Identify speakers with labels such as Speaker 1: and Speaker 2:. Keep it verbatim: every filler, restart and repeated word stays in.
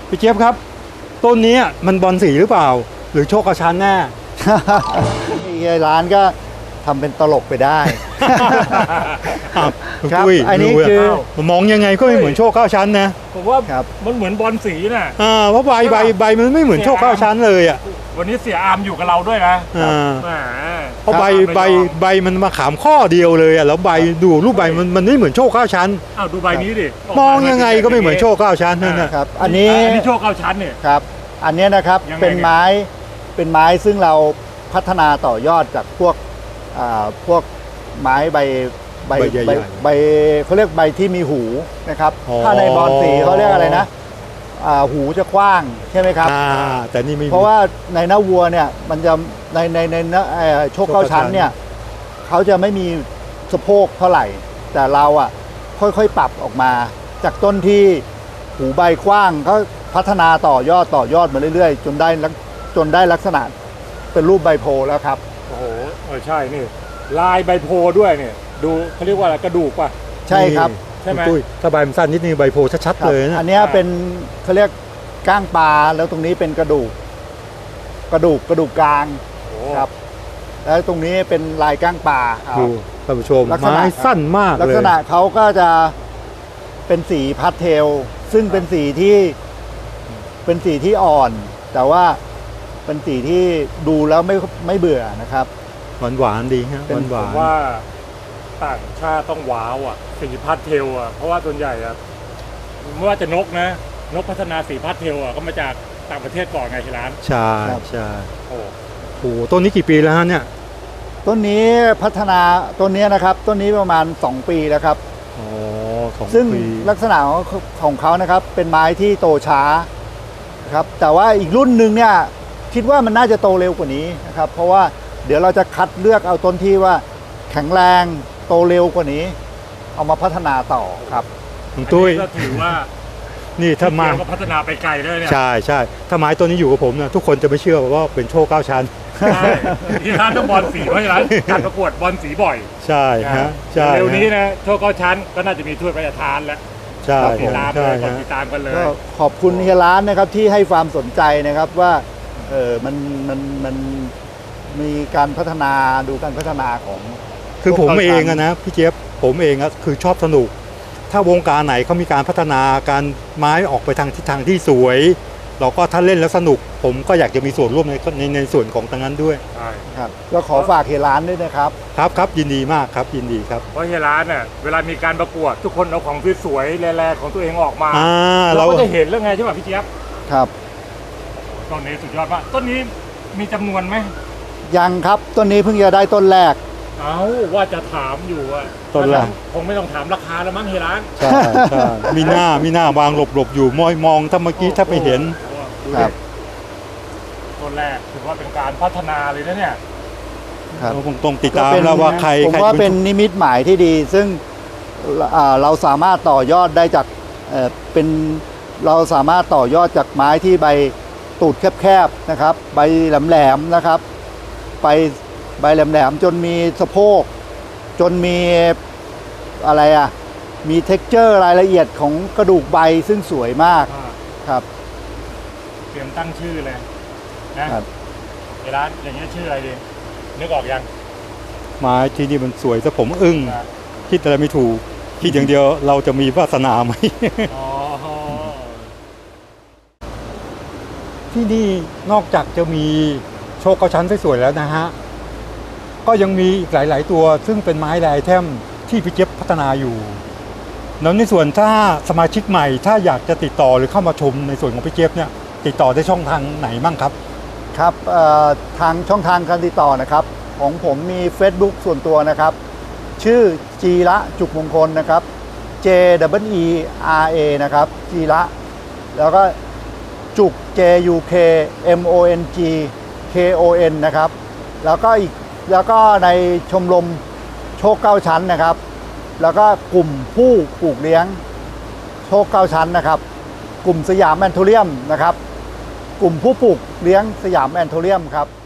Speaker 1: พี่เจี๊ยบครับต้นนี้มันบอลสีหรือเปล่าหรือโชคกระชั้นแน่
Speaker 2: เฮียร้านก็ทำเป็นตลกไปได้ ครับ
Speaker 1: ตุ้ย
Speaker 2: อันนี้
Speaker 1: ดูะ
Speaker 2: คือ
Speaker 1: มองยังไงก็ไม่เหมือนโชคเก้าชั้นนะ
Speaker 3: ผมว่า
Speaker 2: ครับ
Speaker 3: มันเหมือนบอลสีน่ะ
Speaker 1: อ่าเพราะใบใบใบมันไม่เหมือนโชคเก้าชั้นเลยอ่ะ
Speaker 3: วันนี้เสียอามอยู่กับเราด้วยนะ
Speaker 1: อ่า
Speaker 3: แหม
Speaker 1: เพราะใบใบใบมันมาขามข้อเดียวเลยอ่ะแล้วใบดูรูปใบมันมันไม่เหมือนโชคเก้าชั้น
Speaker 3: อ้าวดูใบนี้ดิ
Speaker 1: มองยังไงก็ไม่เหมือนโชคเก้าชั้นนั่นนะครับ
Speaker 2: อันนี้
Speaker 3: อันนี้โชคเก้าชั้นเนี่ย
Speaker 2: ครับ อันเนี้ยนะครับ
Speaker 3: ยังไง
Speaker 2: เป็นไม้เป็นไม้ซึ่งเราพัฒนาต่อยอดจากพวกอ่าพวกไม้ใบใบ
Speaker 1: ใบใหญ่ๆ
Speaker 2: ใบใบเขาเรียกใบที่มีหูนะครับ
Speaker 1: อ๋อ
Speaker 2: ถ้าในบอลสีเขาเรียกอะไรนะอ่าหูจะกว้างใช่ไหมครับ
Speaker 1: อ่าแต่นี่ไม่มี
Speaker 2: เพราะว่าในหน้าวัวเนี่ยมันจะในในในเนื้อเอ่อโชคเก้าชั้นเนี่ยเขาจะไม่มีสะโพกเท่าไหร่ แต่เราอ่ะค่อยๆปรับออกมา จากต้นที่หูใบกว้างก็พัฒนาต่อยอดต่อยอดมาเรื่อยๆ จนได้ลักจนได้ลักษณะเป็นรูปใบโพธิ์แล้วครับ
Speaker 3: โอ้โหเออใช่นี่ลายใบโพด้วยเนี่ยดูเขาเรียกว่าอะไรกระดูกป่ะ
Speaker 2: ใช่ครับ
Speaker 3: ใช่ไหม
Speaker 1: ตุ้ยถ้าใบมันสั้นนิดนึงใบโพชัด
Speaker 2: ครับ
Speaker 1: ๆเลยนะ
Speaker 2: อันเนี้ยเป็นเขาเรียกก้างปลาแล้วตรงนี้เป็นกระดูก กระดูกกระดูกกลาง
Speaker 3: โอ้
Speaker 2: ครับ แล้วตรงนี้เป็นลายก้างปลาครับ
Speaker 1: ดูท่านผู้ชม
Speaker 2: ลักษณะ
Speaker 1: ไม้สั้นมาก
Speaker 2: ลัก
Speaker 1: เลย
Speaker 2: ษณะเขาก็จะเป็นสีพาสเทล ซึ่งเป็นสีที่เป็นสีที่อ่อน แต่ว่าเป็นสีที่ดูแล้วไม่ไม่เบื่อนะครับ
Speaker 1: หวานหวานๆดีฮะ
Speaker 2: เป็น
Speaker 1: หวาน
Speaker 3: ผ
Speaker 1: หวาน
Speaker 3: มว่าต่างชาติต้องว้าวอ่ะสีพาสเทลอ่ะเพราะว่าส่วนใหญ่อ่ะไม่ว่าจะนกนะ นกพัฒนาสีพาสเทลอ่ะก็มาจากต่างประเทศก่อนไงที่ร้าน
Speaker 1: ใช่
Speaker 2: ครับ
Speaker 1: ใช่
Speaker 3: โอ้
Speaker 1: โอ้โหต้นนี้กี่ปีแล้วฮะเนี่ย
Speaker 2: ต้นนี้พัฒนาต้นนี้นะครับ ต้นนี้ประมาณสองปีแล้วครับ
Speaker 1: อ๋อสอง
Speaker 2: ซึ่ง
Speaker 1: ปี
Speaker 2: ลักษณะของของเขานะครับ เป็นไม้ที่โตช้านะครับ แต่ว่าอีกรุ่นหนึ่งเนี่ยคิดว่ามันน่าจะโตเร็วกว่านี้นะครับ เพราะว่าเดี๋ยวเราจะคัดเลือกเอาต้นที่ว่าแข็งแรงโตเร็วกว่านี้ เอามาพัฒนาต่อครับ
Speaker 1: คุณตุ้ย
Speaker 3: อันนี้ก็ถือว่า
Speaker 1: นี่ถ้ามา
Speaker 3: เกี่ยวกับพัฒนาไปไกลด้วยเนี่ย
Speaker 1: ใช่ใช่ถ้าไม้ต้นนี้อยู่กับผมนะทุกคนจะไม่เชื่อว่าเป็นโชคเก้าชั้น
Speaker 3: ใช่ที่ร้านต้องบอลสีเพราะที่ร้านการประกวดบอลสีบ่อย
Speaker 1: ใช่ฮะใช่
Speaker 3: เร็วนี้
Speaker 1: ฮะ
Speaker 3: นะโชคเก้าชั้นก็น่าจะมีถ้วยพระราชทานแล้ว
Speaker 1: ใช่
Speaker 3: ติดตาม
Speaker 1: ใช่
Speaker 3: เลยกด
Speaker 1: ฮะ
Speaker 3: ติดตามกันเลย
Speaker 2: ก็ขอบคุณเฮียร้านนะครับที่ให้ความสนใจนะครับว่าเออมันมันมันมีการพัฒนาดูการพัฒนาของ
Speaker 1: คือผม
Speaker 2: โชคเก้าชั้น
Speaker 1: เองอะนะพี่เจี๊ยบผมเองอะคือชอบสนุก ถ้าวงการไหนเขามีการพัฒนาการไม้ออกไปทางทิศทางที่สวย เราก็ถ้าเล่นแล้วสนุก ผมก็อยากจะมีส่วนร่วมในในในส่วนของตรงนั้นด้วย
Speaker 3: ใช่
Speaker 2: ครับก็ขอฝากเฮียร้านด้วยนะครับ
Speaker 1: ครับครับยินดีมากครับยินดีครับ
Speaker 3: เพราะที่ร้านน่ะเวลามีการประกวด ทุกคนเอาของสวยๆแรงๆของตัวเองออกมา
Speaker 1: อ่า
Speaker 3: เรา
Speaker 1: เรา
Speaker 3: ก็จะเห็นแล้วไงใช่ป่ะพี่เจี๊ยบ
Speaker 2: ครับ
Speaker 3: ต้นนี้สุดยอดมากต้นนี้มีจำนวนไหม
Speaker 2: ยังครับต้นนี้เพิ่งจะได้ต้นแรก
Speaker 3: เอ้าว่าจะถามอยู่อะ
Speaker 1: ต้นแรก
Speaker 3: คงไม่ต้องถามราคาแล้วมั้งที่ร้าน
Speaker 1: ใช่ใช่มีหน้ามีหน้าวางหลบหลบอยู่มอยมองถ้าเมื่อกี้ถ้าไปเห็น
Speaker 3: โอ้โหดู
Speaker 2: ครั
Speaker 3: ดิ
Speaker 2: บ
Speaker 3: ต้นแรกถือว่าเป็นการพัฒนาเลยนะเนี่ย
Speaker 2: ครับ
Speaker 1: เราคงต้องติด
Speaker 2: ก็
Speaker 1: ตาม
Speaker 2: เป็น
Speaker 1: แล้วว่าใคร
Speaker 2: ผม
Speaker 1: ใคร
Speaker 2: ว่า
Speaker 1: จะ
Speaker 2: เป็นนิมิตหมายที่ดี ซึ่งอ่าเราสามารถต่อยอดได้จากเอ่อเป็นเราสามารถต่อยอดจากไม้ที่ใบตูดแคบๆนะครับ ใบแหลมๆนะครับ ไปใบแหลมๆจนมีสะโพกจนมีอะไรอ่ะมีเท็กเจอร์รายละเอียดของกระดูกใบซึ่งสวยมากครับ
Speaker 3: เตรียมตั้งชื่อเลยนะครับ ในร้านอย่างนี้ยชื่ออะไรดีนึกออกยัง
Speaker 1: ไม้ที่นี่มันสวยซะผมอึ้ง
Speaker 3: นะ
Speaker 1: คิดอะไรไม่ถูก คิดอย่างเดียวเราจะมีวาสนาไหม
Speaker 3: อ๋อ
Speaker 1: ที่นี่นอกจากจะมีโชคเก้าชั้นสวยๆแล้วนะฮะ ก็ยังมีอีกหลายๆตัวซึ่งเป็นไม้ลายแท่มที่พี่เจี๊ยบพัฒนาอยู่ แล้วในส่วนถ้าสมาชิกใหม่ถ้าอยากจะติดต่อหรือเข้ามาชมในส่วนของพี่เจี๊ยบเนี่ยติดต่อได้ช่องทางไหนบ้างครับ
Speaker 2: ครับเอ่อทางช่องทางการติดต่อนะครับ ของผมมี Facebook ส่วนตัวนะครับ ชื่อจีระจุกมงคลนะครับ J W E R A นะครับจีระแล้วก็จุก J U K M O N G K O N นะครับ แล้วก็อีกแล้วก็ในชมรมโชคเก้าชั้นนะครับ แล้วก็กลุ่มผู้ปลูกเลี้ยงโชคเก้าชั้นนะครับ กลุ่มสยามแอนโทเรียมนะครับ กลุ่มผู้ปลูกเลี้ยงสยามแอนโทเรียมครับ